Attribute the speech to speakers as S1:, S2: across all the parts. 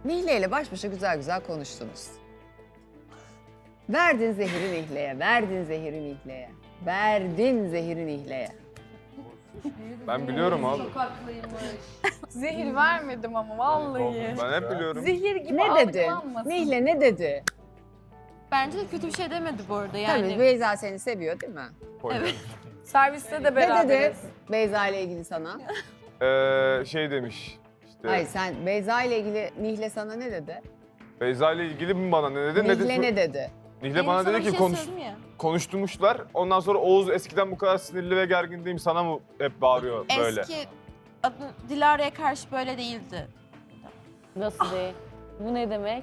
S1: Nihle ile baş başa güzel güzel konuştunuz. Verdin zehri Nihle'ye, verdin zehri Nihle'ye. Verdin zehri Nihle'ye.
S2: Ben biliyorum abi.
S3: Zehir vermedim ama vallahi.
S2: Ben hep biliyorum.
S3: Zehir gibi
S1: Ne dedi?
S3: algılanmasın.
S1: Nihle ne dedi?
S4: Bence de kötü bir şey demedi bu arada yani.
S1: Tabii Beyza seni seviyor değil mi?
S4: Evet.
S3: Serviste de
S1: Ne dedi
S3: beraberiz.
S1: Beyza ile ilgili sana?
S2: Şey demiş. İşte
S1: Hayır sen Beyza ile ilgili Nihle sana ne dedi?
S2: Beyza ile ilgili mi bana ne dedi?
S1: Nihle ne dedi?
S2: Nihle bana
S4: Sana
S2: dedi
S4: bir
S2: ki
S4: şey söyledim ya.
S2: konuşturmuşlar. Ondan sonra Oğuz eskiden bu kadar sinirli ve gergin değilim sana mı hep bağırıyor böyle?
S4: Eski adı Dilara'ya karşı böyle değildi.
S5: Nasıl değil? Bu ne demek?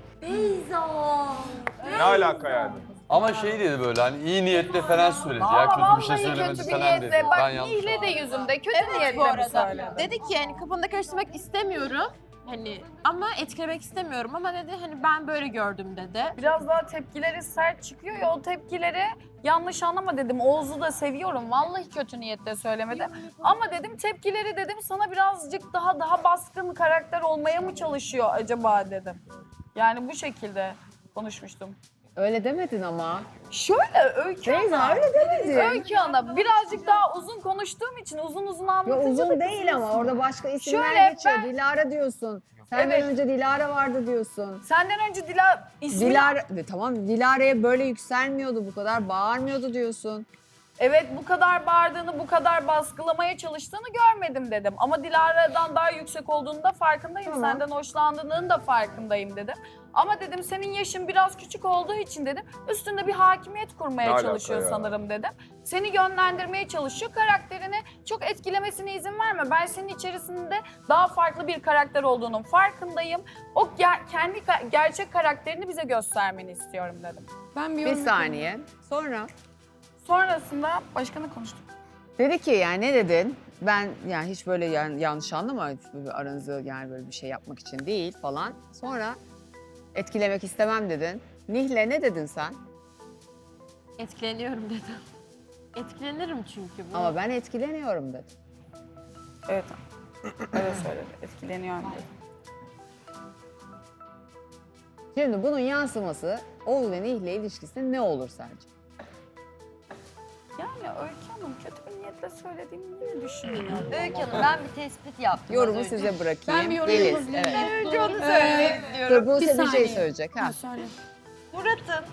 S2: Ne alaka yani?
S6: Ama şey dedi böyle hani iyi niyetle falan söyledi ya kötü bir şey söylemedi
S3: kötü bir
S6: falan dedi.
S3: niyetle. Bak
S6: Ben yanlış
S3: Nihle de
S6: anladım.
S3: yüzümde kötü
S4: Evet bu
S3: niyetle mi
S4: arada.
S3: söyledi?
S4: Dedi ki yani kafanı da karıştırmak istemiyorum. Hani ama etkilemek istemiyorum ama dedi hani ben böyle gördüm dedi.
S3: Biraz daha tepkileri sert çıkıyor ya o tepkileri yanlış anlama dedim. Oğuz'u da seviyorum. Vallahi kötü niyetle söylemedim. Ama dedim tepkileri dedim sana birazcık daha baskın karakter olmaya mı çalışıyor acaba dedim. Yani bu şekilde konuşmuştum.
S1: Öyle demedin ama.
S3: Şöyle Öykü
S1: Beyza
S3: Ana.
S1: öyle demedin.
S3: Öykü Ana birazcık daha uzun konuştuğum için uzun
S1: Ya
S3: anlatınca
S1: uzun
S3: da
S1: değil ama orada başka isimler
S3: Şöyle
S1: geçiyor.
S3: ben-
S1: Dilara diyorsun. Senden
S3: Evet.
S1: önce Dilara vardı diyorsun.
S3: Senden önce ismi...
S1: Dilara, tamam Dilara'ya böyle yükselmiyordu bu kadar bağırmıyordu diyorsun.
S3: Evet bu kadar bağırdığını, bu kadar baskılamaya çalıştığını görmedim dedim. Ama Dilara'dan daha yüksek olduğunu da farkındayım.
S1: Tamam.
S3: Senden hoşlandığının da farkındayım dedim. Ama dedim senin yaşın biraz küçük olduğu için dedim üstünde bir hakimiyet kurmaya
S2: Ne alaka
S3: çalışıyor
S2: ya?
S3: sanırım dedim. Seni yönlendirmeye çalışıyor. Karakterini çok etkilemesine izin verme. Ben senin içerisinde daha farklı bir karakter olduğunun farkındayım. O kendi gerçek karakterini bize göstermeni istiyorum dedim.
S5: Ben
S1: Bir saniye. Sonra
S3: Sonrasında başka ne konuştuk?
S1: dedi ki yani ne dedin? Ben yani hiç böyle yanlış anlama aranızı yani böyle bir şey yapmak için değil falan. Sonra etkilemek istemem dedin. Nihle ne dedin sen?
S4: Etkileniyorum dedim. Etkilenirim çünkü. Bu.
S1: Ama ben etkileniyorum dedim.
S3: Evet. Öyle söyledi. Etkileniyorum dedi.
S1: Şimdi bunun yansıması Oğuz ve Nihle ilişkisinde ne olur sence?
S3: Yani Öykü Hanım kötü bir niyetle söylediğimi yine düşünüyorum.
S7: Öykü Hanım ben bir tespit yaptım.
S1: Yorumu
S7: az önce.
S1: size bırakayım.
S5: Ben bir yorum
S1: Yeliz,
S5: yapabilir miyim?
S1: evet.
S3: Önce onu söylemek
S1: Dur
S3: istiyorum.
S1: Buse bir şey
S5: saniye.
S1: söyleyecek. Ha.
S5: Söyle.
S7: Murat'ım.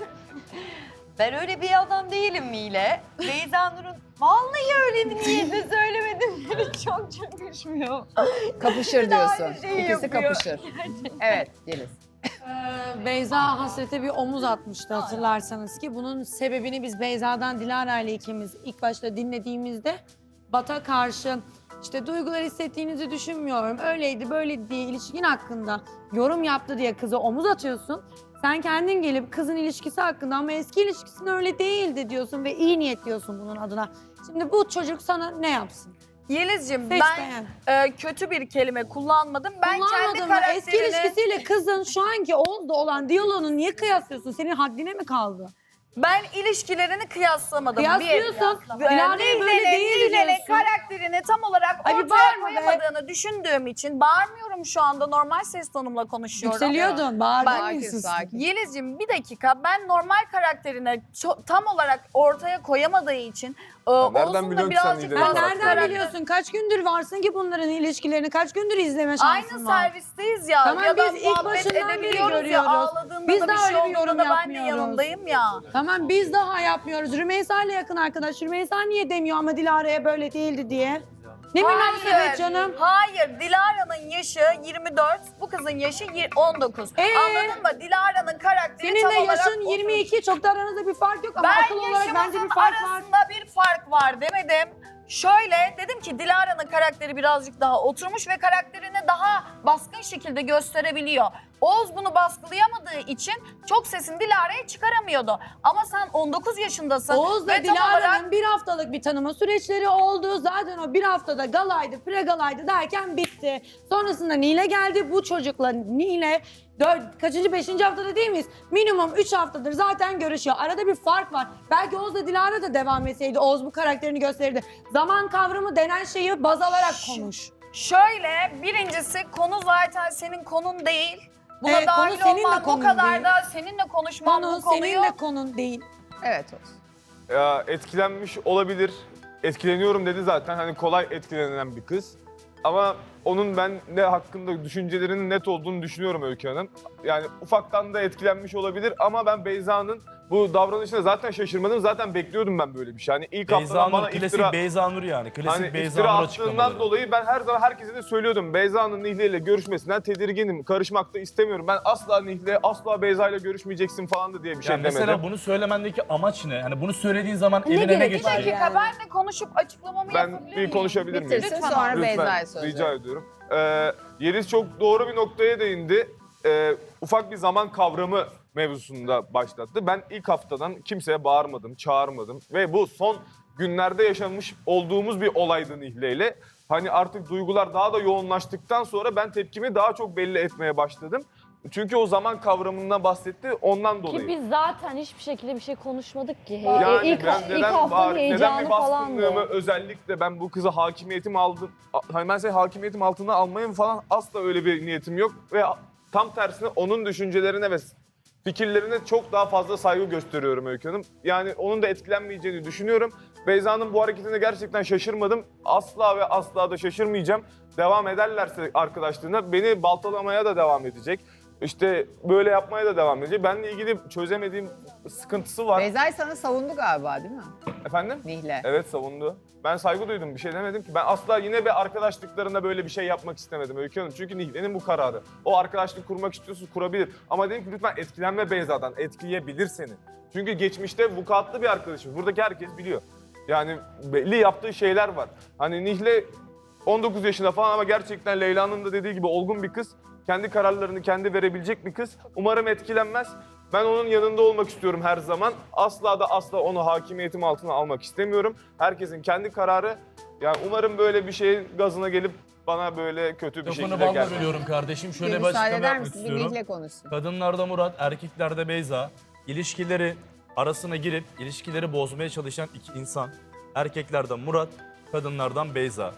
S7: Ben öyle bir adam değilim Mile. Beyza Nur'un vallahi öyle bir niyetle söylemedim. Beni çok düşmüyor.
S1: Kapışır diyorsun.
S7: aynı şeyi
S1: İkisi
S7: yapıyor.
S1: kapışır. Evet Yeliz.
S5: Beyza Hasret'e bir omuz atmıştı hatırlarsanız ki bunun sebebini biz Beyza'dan Dilara ile ikimiz ilk başta dinlediğimizde Bat'a karşı işte duygular hissettiğinizi düşünmüyorum. Öyleydi böyleydi diye ilişkin hakkında yorum yaptı diye kıza omuz atıyorsun. Sen kendin gelip kızın ilişkisi hakkında ama eski ilişkisinde öyle değildi diyorsun ve iyi niyet diyorsun bunun adına. Şimdi bu çocuk sana ne yapsın?
S3: Yeliz'ciğim
S5: Seç
S3: ben
S5: beğen.
S3: kötü bir kelime kullanmadım. Ben kendi
S5: Kullanmadın mı? Eski
S3: karakterini...
S5: ilişkisiyle kızın şu anki Oğuz'da olan diyaloğunu niye kıyaslıyorsun? Senin haddine mi kaldı?
S3: Ben ilişkilerini kıyaslamadım.
S5: Kıyaslıyorsun. Dilara'ya böyle değildi
S3: Nihle'nin
S5: diyorsun.
S3: karakterini tam olarak
S5: Ay bir
S3: ortaya
S5: bağırma be.
S3: koyamadığını düşündüğüm için bağırmıyorum şu anda. Normal ses tonumla konuşuyorum.
S5: Yükseliyordun,
S3: Bak,
S5: bağırdın.
S1: Sakin.
S3: Yeliz'ciğim bir dakika ben normal karakterini tam olarak ortaya koyamadığı için
S2: nereden
S3: Oğuz'un da
S2: biliyorsun ki sen
S3: birazcık
S2: Nide'yi?
S5: Ben
S3: daha
S5: nereden
S3: karakter-
S5: biliyorsun? Kaç gündür varsın ki bunların ilişkilerini? Kaç gündür izleme şansın
S3: Aynı
S5: var?
S3: servisteyiz ya.
S5: Tamam,
S3: ya da
S5: biz ilk
S3: muhabbet
S5: başından beri
S3: edebiliyoruz ya.
S5: görüyoruz.
S3: Ağladığında
S5: Biz
S3: da
S5: de
S3: bir şey
S5: öyle bir
S3: olduğunda
S5: yorum
S3: da ben de
S5: yapmıyoruz.
S3: yanındayım ya.
S5: Tamam biz daha yapmıyoruz. Rümeysa ile yakın arkadaş. Rümeysa niye demiyor ama Dilara'ya böyle değildi diye? Ne münasebet canım?
S3: Hayır, Dilara'nın yaşı 24, bu kızın yaşı 19. Anladın mı? Dilara'nın karakteri
S5: Senin
S3: tam
S5: de
S3: olarak
S5: yaşın 22. Çok da aranızda bir fark yok ama
S3: Ben
S5: akıl olarak bence
S3: yaşımızın
S5: bir fark var.
S3: arasında bir fark var demedim. Şöyle dedim ki Dilara'nın karakteri birazcık daha oturmuş ve karakterini daha baskın şekilde gösterebiliyor. Oğuz bunu baskılayamadığı için çok sesini Dilara'ya çıkaramıyordu. Ama sen 19 yaşındasın.
S5: Oğuz'la
S3: ve tam
S5: Dilara'nın
S3: olarak
S5: bir haftalık bir tanıma süreçleri oldu. Zaten o bir haftada galaydı, pre-galaydı derken bitti. Sonrasında Nile geldi. Bu çocukla Nile kaçıncı, 5. haftada değil miyiz? Minimum 3 haftadır zaten görüşüyor. Arada bir fark var. Belki Oğuz'la Dilara da devam etseydi Oğuz bu karakterini gösterirdi. Zaman kavramı denen şeyi baz alarak konuş.
S3: şöyle birincisi konu zaten senin konun değil. Buna
S5: Evet, konu
S3: dahil
S5: senin de
S3: olman, bu
S5: konun
S3: kadar
S5: değil.
S3: da seninle konuşman
S5: Konu
S3: bu konuyu...
S5: senin de konun değil.
S1: Evet olsun.
S2: Etkilenmiş olabilir. Etkileniyorum dedi zaten. Hani kolay etkilenen bir kız. Ama onun ben ne hakkında düşüncelerinin net olduğunu düşünüyorum Öykü Hanım. Yani ufaktan da etkilenmiş olabilir ama ben Beyza'nın bu davranışına zaten şaşırmadım. Zaten bekliyordum ben böyle bir şey. Hani ilk
S8: Beyza
S2: haftadan
S8: Nur,
S2: bana
S8: klasik
S2: iftira...
S8: Beyza Nur yani. Klasik
S2: Hani
S8: Beyza
S2: iftira
S8: Nur
S2: attığından
S8: açıklamaları.
S2: dolayı ben her zaman herkese de söylüyordum. Beyza'nın Nihle ile görüşmesinden tedirginim. Karışmak da istemiyorum. Ben asla Nihle, asla Beyza ile görüşmeyeceksin falan da diye bir şey
S8: Yani mesela
S2: demedim.
S8: bunu söylemendeki amaç ne? Hani bunu söylediğin zaman
S5: Ne
S8: eline ne
S5: gerek
S3: Bir
S8: geçecek?
S3: dakika,
S5: Yani.
S3: ben de konuşup açıklamamı
S2: Ben
S3: yapabilir
S2: bir
S3: miyim?
S2: konuşabilir miyim?
S1: Bitirsin
S3: Lütfen
S1: sonra
S3: abi.
S1: Beyza'ya söz
S2: rica
S1: verin.
S2: ediyorum. Yeliz çok doğru bir noktaya değindi. Ufak bir zaman kavramı mevzusunda başlattı. Ben ilk haftadan kimseye bağırmadım, çağırmadım ve bu son günlerde yaşanmış olduğumuz bir olaydı Nihle ile. Hani artık duygular daha da yoğunlaştıktan sonra ben tepkimi daha çok belli etmeye başladım. Çünkü o zaman kavramından bahsetti ondan dolayı.
S9: Ki biz zaten hiçbir şekilde bir şey konuşmadık ki.
S2: Yani
S9: ilk
S2: ben
S9: ilk
S2: neden
S9: haftanın
S2: neden
S9: heyecanı
S2: bir
S9: falandı.
S2: baskınlığımı özellikle ben bu kıza hakimiyetim aldım. Hani ben seni hakimiyetim altına almayayım falan asla öyle bir niyetim yok. Ve tam tersine onun düşüncelerine ve fikirlerine çok daha fazla saygı gösteriyorum Öykü Hanım. Yani onun da etkilenmeyeceğini düşünüyorum. Beyza'nın bu hareketine gerçekten şaşırmadım. Asla ve asla da şaşırmayacağım. Devam ederlerse arkadaşlığına beni baltalamaya da devam edecek. İşte böyle yapmaya da devam edecek. Benle ilgili çözemediğim sıkıntısı var.
S1: Beyza'yı sana savundu galiba değil mi?
S2: Efendim?
S1: Nihle.
S2: Evet savundu. Ben saygı duydum bir şey demedim ki. Ben asla yine bir arkadaşlıklarında böyle bir şey yapmak istemedim Öykü Hanım. Çünkü Nihle'nin bu kararı. O arkadaşlık kurmak istiyorsa kurabilir. Ama dedim ki lütfen etkilenme Beyza'dan. Etkileyebilir seni. Çünkü geçmişte vukuatlı bir arkadaşım. Buradaki herkes biliyor. Yani belli yaptığı şeyler var. Hani Nihle 19 yaşında falan ama gerçekten Leyla'nın da dediği gibi olgun bir kız. Kendi kararlarını kendi verebilecek bir kız. Umarım etkilenmez. Ben onun yanında olmak istiyorum her zaman. Asla da asla onu hakimiyetim altına almak istemiyorum. Herkesin kendi kararı. Yani umarım böyle bir şeyin gazına gelip bana böyle kötü bir
S8: Lafını
S2: şekilde
S8: balla
S2: gelmez.
S8: bölüyorum kardeşim. Şöyle
S1: Bir
S8: bir
S1: müsaade
S8: açıklama
S1: eder
S8: yapmak
S1: misin? Bir
S8: istiyorum.
S1: Nihle konuşsun.
S8: Kadınlarda Murat, erkeklerde Beyza. İlişkileri arasına girip ilişkileri bozmaya çalışan iki insan. Erkeklerden Murat, kadınlardan Beyza.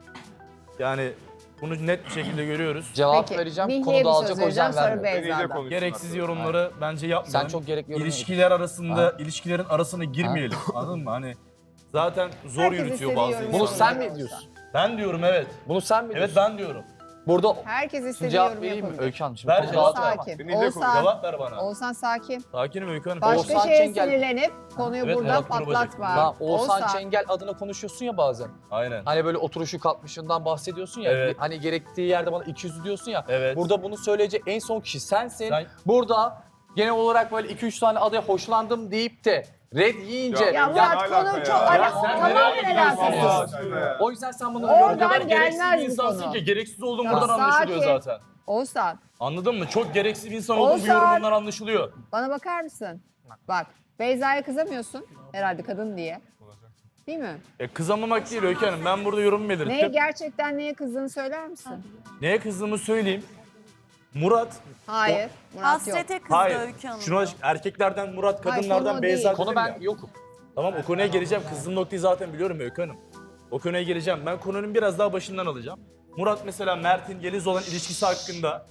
S8: Yani bunu net bir şekilde görüyoruz.
S10: Cevap
S1: Peki,
S10: vereceğim.
S1: Nihle'ye
S10: Konu
S1: bir
S10: dağılacak
S1: söz
S10: o yüzden
S1: vereceğim sonra
S10: vermiyorum.
S2: Nihle
S1: Beyza'dan.
S2: konuşsun
S8: Gereksiz
S2: artık.
S8: yorumları bence yapmayalım.
S10: Sen çok gerekli yorum
S8: İlişkiler arasında,
S10: Ha.
S8: ilişkilerin arasına girmeyelim. Anladın mı? Hani zaten zor
S1: Herkes
S8: yürütüyor
S1: istediği
S8: bazı
S1: yorumu
S8: insanlar.
S10: Bunu sen
S1: yapıyor.
S10: mi diyorsun?
S8: Ben diyorum evet.
S10: Bunu sen mi
S8: Evet
S10: diyorsun?
S8: ben diyorum.
S10: Burada
S1: Herkes
S10: şimdi
S1: istediği
S10: cevap
S1: yorum
S10: vereyim mi
S1: yapabilir.
S10: Öykü Hanım? Şimdi
S8: Ver
S10: konu
S8: cevap.
S10: dağılacak ama.
S1: Sakin.
S2: Nihle konuş.
S1: Oğuzhan,
S8: Cevap ver bana.
S1: Oğuzhan sakin.
S8: Sakinim Öykü Hanım.
S1: Başka
S10: Oğuzhan
S1: şeye
S10: Çengel.
S1: sinirlenip konuyu
S8: Evet,
S1: buradan
S8: Murat Kurbacak.
S1: patlatma.
S10: Tamam, Oğuzhan Çengel adına konuşuyorsun ya bazen.
S8: Aynen.
S10: Hani böyle oturuşu kalkmışından bahsediyorsun ya.
S8: Evet.
S10: Hani gerektiği yerde bana 200 diyorsun ya.
S8: Evet.
S10: Burada bunu söyleyecek en son kişi sensin.
S8: Sen-
S10: Burada genel olarak böyle 2-3 tane adaya hoşlandım deyip de red yiyince...
S1: Ya Murat
S2: ne alaka
S1: konu
S2: ya?
S1: çok
S2: Ya
S8: sen
S1: tamamen
S8: nereye gidiyorsun
S1: alakasız.
S8: ya?
S2: Allah aşkına ya.
S10: O yüzden sen bunu
S1: Oradan
S10: yorum kadar
S8: Gereksiz
S1: gelmez
S8: bir
S1: bu
S8: insansın
S1: konu.
S8: ki gereksiz olduğun
S1: Ya
S8: buradan anlaşılıyor
S1: sakin.
S8: zaten.
S1: Oğuzhan
S8: Anladın mı? Çok gereksiz bir insan olduğun bu
S1: Oğuzhan.
S8: yorumundan anlaşılıyor.
S1: bana bakar mısın? Bak Beyza'ya kızamıyorsun herhalde kadın diye. Değil mi?
S8: Kızamamak değil Öykü Hanım. Ben burada yorumumu belirttim.
S1: Neye gerçekten neye kızdığını söyler misin?
S8: Neye kızdığımı söyleyeyim. Murat,
S1: Hayır. Murat yok.
S11: Hasrete kızdı
S8: hayır.
S11: Öykü Hanım.
S8: Şuna erkeklerden Murat,
S1: Hayır,
S8: kadınlardan
S1: konu
S8: Beyza
S1: değil.
S8: dedim
S10: Konu
S8: ya.
S10: ben yokum.
S8: Tamam o konuya geleceğim. Kızdığım noktayı zaten biliyorum Öykü Hanım. O konuya geleceğim. Ben konunun biraz daha başından alacağım. Murat mesela Mert'in Yeliz'le olan ilişkisi hakkında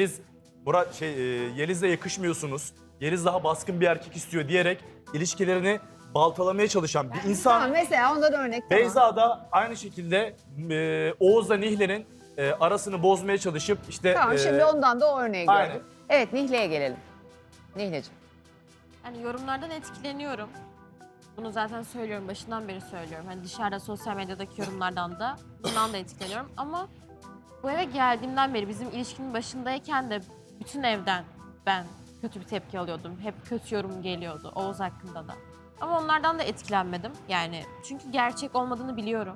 S8: Yeliz'le yakışmıyorsunuz. Yeliz daha baskın bir erkek istiyor diyerek ilişkilerini baltalamaya çalışan bir insan.
S1: Tamam mesela ondan örnek tamam.
S8: Beyza da aynı şekilde Oğuz'la Nihle'nin arasını bozmaya çalışıp işte
S1: Tamam şimdi ondan da o örneği
S8: aynen.
S1: gördük. Evet Nihle'ye gelelim. Nihleciğim.
S4: Hani yorumlardan etkileniyorum. Bunu zaten söylüyorum, başından beri söylüyorum. Hani dışarıda sosyal medyadaki yorumlardan da bundan da etkileniyorum. Ama bu eve geldiğimden beri bizim ilişkinin başındayken de bütün evden ben kötü bir tepki alıyordum. Hep kötü yorum geliyordu Oğuz hakkında da. Ama onlardan da etkilenmedim. Yani çünkü gerçek olmadığını biliyorum.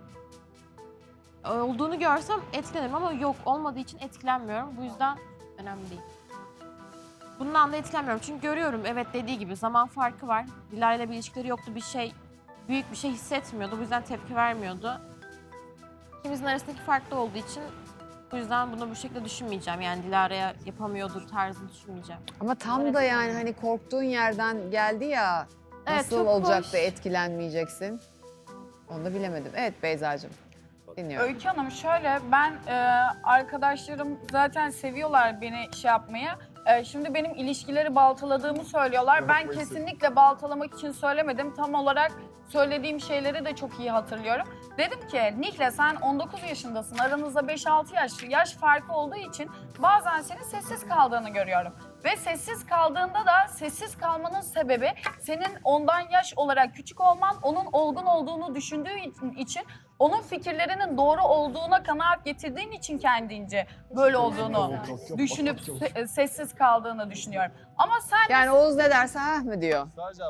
S4: Olduğunu görsem etkilenirim ama yok olmadığı için etkilenmiyorum. Bu yüzden önemli değil. Bundan da etkilenmiyorum çünkü görüyorum evet dediği gibi zaman farkı var. Dilara ile bir ilişkileri yoktu büyük bir şey hissetmiyordu bu yüzden tepki vermiyordu. İkimizin arasındaki fark da olduğu için bu yüzden bunu bu şekilde düşünmeyeceğim. Yani Dilara'ya yapamıyordur tarzını düşünmeyeceğim.
S1: Ama tam da yani hani korktuğun yerden geldi ya.
S4: Evet,
S1: Nasıl
S4: çok
S1: olacak
S4: hoş.
S1: da etkilenmeyeceksin? Onu da bilemedim. Evet Beyza'cığım. Dinliyorum.
S3: Öykü Hanım şöyle, ben arkadaşlarım zaten seviyorlar beni şey yapmayı. Şimdi benim ilişkileri baltaladığımı söylüyorlar. Ben kesinlikle baltalamak için söylemedim. Tam olarak söylediğim şeyleri de çok iyi hatırlıyorum. Dedim ki Nihle sen 19 yaşındasın. Aranızda 5-6 yaş farkı olduğu için bazen senin sessiz kaldığını görüyorum. Ve sessiz kaldığında da sessiz kalmanın sebebi senin ondan yaş olarak küçük olman, onun olgun olduğunu düşündüğü için onun fikirlerinin doğru olduğuna kanaat getirdiğin için kendince böyle olduğunu düşünüp sessiz kaldığını düşünüyorum. Ama sen
S1: Yani Oğuz ne derse ha mı diyor.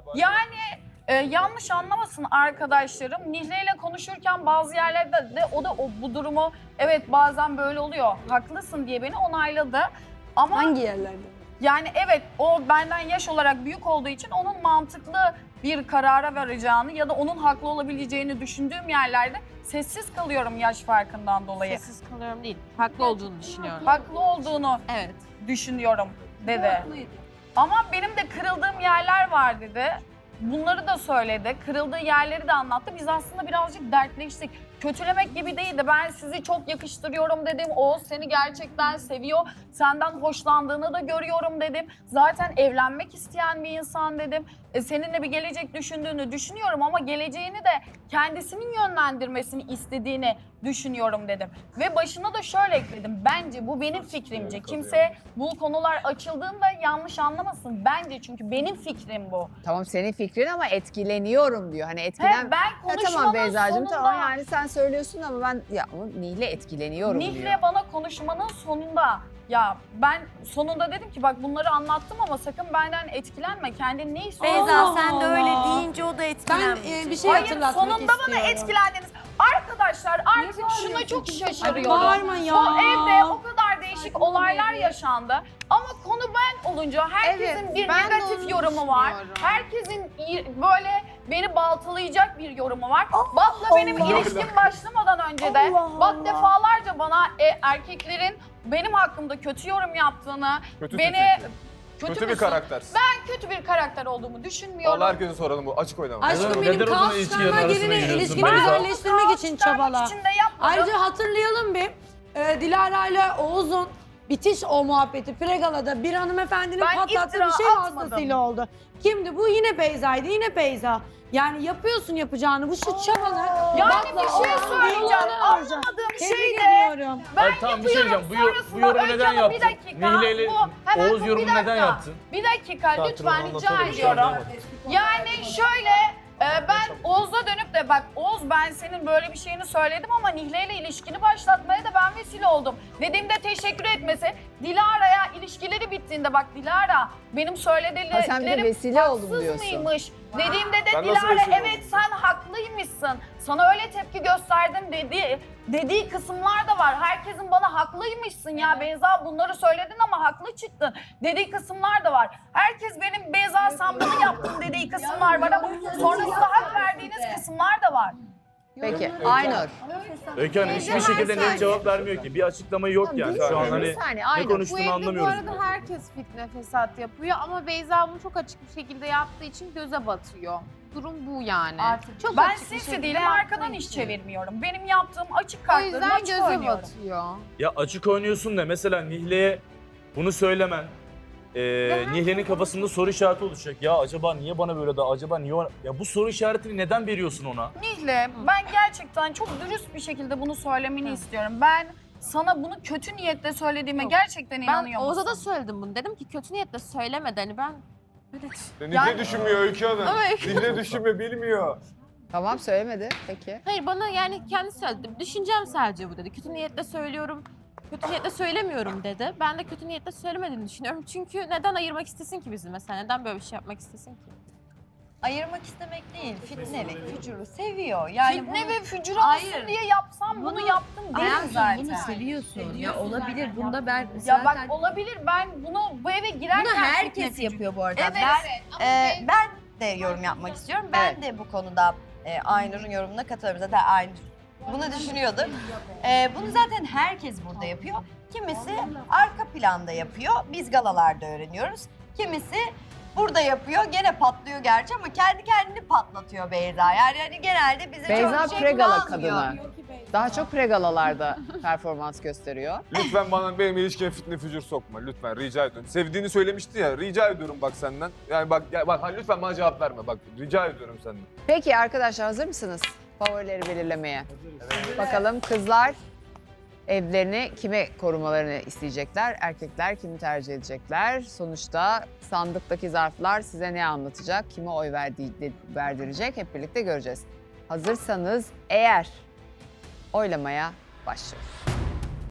S3: yanlış anlamasın arkadaşlarım. Nihle ile konuşurken bazı yerlerde de o da bu durumu evet bazen böyle oluyor. Haklısın diye beni onayladı. Ama
S5: Hangi yerlerde?
S3: yani evet o benden yaş olarak büyük olduğu için onun mantıklı bir karara varacağını ya da onun haklı olabileceğini düşündüğüm yerlerde sessiz kalıyorum yaş farkından dolayı.
S4: Sessiz kalıyorum değil. Haklı olduğunu düşünüyorum.
S3: Haklı olduğunu
S4: Evet.
S3: düşünüyorum dedi. Ama benim de kırıldığım yerler var dedi. Bunları da söyledi. Kırıldığı yerleri de anlattı. Biz aslında birazcık dertleştik. Kötülemek gibi değildi. Ben sizi çok yakıştırıyorum dedim. Oğuz seni gerçekten seviyor. Senden hoşlandığını da görüyorum dedim. Zaten evlenmek isteyen bir insan dedim. Seninle bir gelecek düşündüğünü düşünüyorum ama geleceğini de kendisinin yönlendirmesini istediğini düşünüyorum dedim. Ve başına da şöyle ekledim. Bence bu benim fikrimce. Kimse bu konular açıldığında yanlış anlamasın. Bence çünkü benim fikrim bu.
S1: Tamam senin fikrin ama etkileniyorum diyor. Hani etkilen...
S3: Ben
S1: Ha,
S3: konuşmanın
S1: tamam Beyza'cığım
S3: sonunda...
S1: tamam yani sen söylüyorsun ama ben ya Nihle etkileniyorum diyor.
S3: Nihle bana konuşmanın sonunda ya ben sonunda dedim ki bak bunları anlattım ama sakın benden etkilenme. Kendin ne istiyorsun?
S7: Beyza
S5: Allah
S7: sen de öyle
S5: Allah.
S7: deyince o da
S5: Ben
S7: etkilenmeyecek.
S5: bir şey
S3: Hayır
S5: hatırlatmak
S3: sonunda
S5: istiyorum.
S3: bana etkilendiniz. Arkadaşlar artık şuna çok şaşırıyorum.
S5: Bağırma ya.
S3: Bu evde o kadar değişik olaylar yaşandı. Ama konu ben olunca herkesin
S1: Evet,
S3: bir
S1: ben de
S3: negatif
S1: onu
S3: yorumu var.
S1: düşünüyorum.
S3: Herkesin böyle beni baltalayacak bir yorumu var. Bat'la benim ilişkim başlamadan önce de Bat defalarca bana erkeklerin benim hakkımda kötü yorum yaptığını,
S2: Kötüsün
S3: beni
S2: çünkü. Kötü bir
S3: müsün?
S2: karaktersin.
S3: Ben kötü bir karakter olduğumu düşünmüyorum.
S2: Vallahi herkese soralım bu açık oynama.
S5: Aşkım
S8: Neden-
S5: benim
S8: neden o zaman
S5: kaos
S8: ilişkilerin
S5: çıkarma
S8: arasına
S5: gelini
S8: giriyorsun
S5: ilişkini
S8: Beyza?
S5: güzelleştirmek için çabala.
S3: için de yapmadım.
S5: Ayrıca hatırlayalım bir Dilara ile Oğuz'un bitiş o muhabbeti Pregala'da bir hanımefendinin
S3: Ben
S5: patlattığı
S3: iftira
S5: bir şey
S3: atmadım.
S5: vasıtasıyla oldu. Kimdi bu? Yine Beyza'ydı. Yine Beyza. Yani yapıyorsun yapacağını. Bu şu çabanı.
S3: Yani
S5: bakla
S3: bir şey
S5: Oğuz'un
S3: söyleyeceğim.
S5: yolunu arayacağım.
S3: Anlamadığım
S5: Tebrik
S3: şey de
S5: ediyorum.
S3: ben
S8: Hayır, tamam bir şey
S3: yapıyorum.
S8: diyeceğim. Bu
S3: Sonrasında
S8: yorumu
S3: Öykü
S8: neden
S3: Hanım,
S8: yaptın?
S3: Bir dakika.
S8: Nihle ile
S3: hemen
S8: Oğuz
S3: bir
S8: yorumunu
S3: dakika.
S8: neden yaptın?
S3: Bir dakika lütfen rica
S2: anlatalım,
S3: ediyorum.
S2: bir şey
S3: Yani şöyle ben Oğuz'a dönüp de bak Oğuz ben senin böyle bir şeyini söyledim ama Nihle ile ilişkini başlatmaya da ben vesile oldum. Dediğimde teşekkür etmesi. Dilara'ya ilişkileri bittiğinde bak Dilara benim
S1: Ha, sen bir de
S3: söylediklerim
S1: vesile oldum
S3: haksız
S1: diyorsun.
S3: mıymış? Dediğimde de
S2: Ben nasıl
S3: Dilara
S2: vesile
S3: evet
S2: oldum?
S3: sen haklıymışsın. Sana öyle tepki gösterdim dediği kısımlar da var. Herkesin bana haklıymışsın ya Beyza bunları söyledin ama haklı çıktın dediği kısımlar da var. Herkes benim Beyza sen bunu yaptın dediği kısımlar var ama sonrasında hak verdiğiniz kısımlar da var.
S1: Peki Aynur.
S8: Öykü Hanım hiçbir şekilde net cevap vermiyor ki. Bir açıklama yok yani. Şu an hani
S1: Bir saniye
S8: ne
S1: Aynur.
S11: Bu
S8: konuştuğunu
S11: evde bu
S8: anlamıyoruz.
S11: arada herkes fitne fesat yapıyor ama Beyza bunu çok açık bir şekilde yaptığı için göze batıyor. Durum bu yani. Çok
S3: Ben
S11: açık bir
S3: sinsi
S11: şekilde
S3: değilim
S11: yaptığı
S3: arkadan iş
S11: için.
S3: çevirmiyorum. Benim yaptığım açık
S11: O
S3: kartlarımı
S11: yüzden
S3: açık
S11: göze
S3: oynuyorum.
S11: batıyor.
S8: Ya açık oynuyorsun da mesela Nihle'ye bunu söylemen Nihle'nin kafasında soru işareti oluşacak. Ya acaba niye bana böyle acaba niye ona... Ya bu soru işaretini neden veriyorsun ona?
S3: Nihle ben gerçekten çok dürüst bir şekilde bunu söylemeni istiyorum. Ben sana bunu kötü niyetle söylediğime
S4: Yok.
S3: gerçekten
S4: Ben
S3: inanıyor musun?
S4: Oğuz'a da söyledim bunu. Dedim ki kötü niyetle söylemedi. Hani ben evet.
S2: Nihle düşünmüyor Öykü Hanım.
S4: Ama Öykü-
S2: Nihle düşünme bilmiyor.
S1: Tamam söylemedi peki.
S4: Hayır bana yani kendi söyledi. Düşüncem sadece bu dedi. Kötü niyetle söylüyorum. Kötü niyetle söylemiyorum dedi. Ben de kötü niyetle söylemediğini düşünüyorum. Çünkü neden ayırmak istesin ki bizi mesela? Neden böyle bir şey yapmak istesin ki?
S7: Ayırmak istemek değil, fitnelik, fücuru seviyor. Yani
S3: Fitne ve fücur
S7: Hayır.
S3: olsun diye yapsam bunu yaptım değil zaten.
S7: seviyorsun. Ya olabilir. Bunda ben
S3: Ya bak olabilir ben bunu bu eve girerken
S7: bunu
S3: fitne
S7: herkes
S3: fücur-
S7: yapıyor bu arada.
S3: Evet.
S7: Ben de yorum yapmak istiyorum. Ben de bu konuda Aynur'un yorumuna katılıyorum. Zaten Aynur bunu düşünüyordu. Bunu zaten herkes burada yapıyor. Kimisi arka planda yapıyor. Biz galalarda öğreniyoruz. Kimisi Burada yapıyor, gene patlıyor gerçi ama kendi kendini patlatıyor Beyza. Yani hani genelde bize
S1: Beyza
S7: çok şey
S1: pregala
S7: kullanmıyor.
S1: kadını. Daha çok pregalalarda performans gösteriyor.
S2: Lütfen benim ilişkime fitne fücur sokma. Lütfen rica ediyorum. Sevdiğini söylemişti ya. Rica ediyorum bak senden. Yani bak lütfen bana cevap verme. Bak rica ediyorum senden.
S1: Peki arkadaşlar hazır mısınız favorileri belirlemeye? Bakalım kızlar evlerini kime korumalarını isteyecekler? Erkekler kimi tercih edecekler? Sonuçta sandıktaki zarflar size ne anlatacak? Kime oy verdirecek? Hep birlikte göreceğiz. Hazırsanız eğer oylamaya başlıyoruz.